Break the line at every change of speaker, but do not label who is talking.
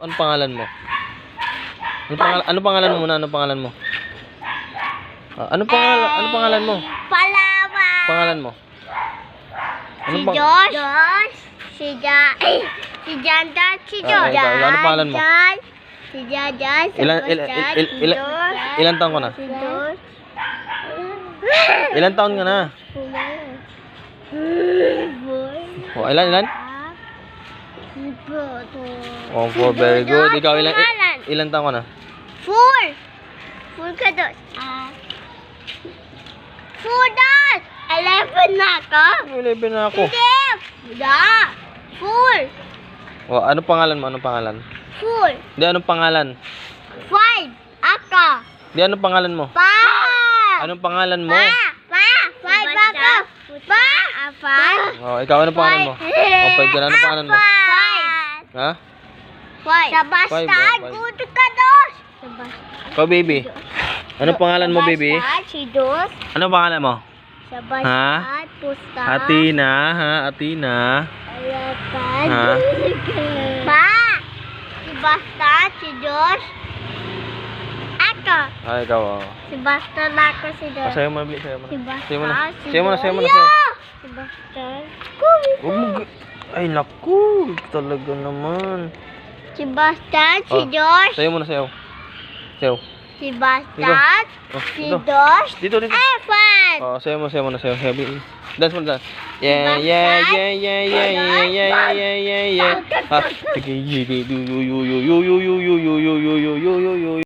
Anong pangalan mo? Anong pangalan mo muna? Anong pangalan mo? Anong pangalan mo?
Palawa.
Pangalan mo?
Si Josh. Si Janda. Si Josh.
Ano pangalan mo?
Si Jajan.
Ilan taon ka na?
Si Josh.
Ilan taon ka na? Oh, ilan? Oh, 4, very good. Ikaw, ilan taon ka na?
4 ka doon. 4 doon. 11 na ako.
11 na ako.
Hindi. 4.
Oh, anong pangalan mo? Anong pangalan?
4.
Hindi, anong pangalan?
5. Ako.
Hindi, anong pangalan mo?
Pa.
Anong pangalan mo?
5 ako. Pa.
Oh, ikaw, anong pangalan mo? Oh, 5 ka na. Anong pangalan mo?
5.
Ha?
5. Sabastan.
Five.
Good ka doon.
Ikaw, baby. Anong pangalan mo, baby?
Si Dos.
Anong pangalan mo?
Sabastan. Pusta.
Atina, ha? Atina.
Alapan.
Ha?
Pa. Si Basta. Si Dos. Ako.
Ay, ikaw, oh.
Si Basta na ako. Si Dos.
Sayo mo na, Bli. Sayo mo
Si
na.
Basta.
Sayo mo na.
Si
Sayo mo na, sayo mo na.
Dos.
Sayo.
Si Basta.
Huwag mo ay, naku. Talaga naman.
Si Basta. Si
Oh.
Dos.
Sayo mo na, sayo. Sayo.
Si Basta.
Oh,
Si
dito.
Dos.
Dito, dito.
Evan.
Oh, sayo mo, sayo mo na, sayo. Sayo, Bli. Dance mo na, dance. Yeah, yeah, yeah, yeah, yeah, yeah, yeah, yeah, yeah, yeah. Ha? Sige, yo, yo, yo, yo, yo, yo, yo, yo, yo, yo, yo, yo, yo, yo, yo.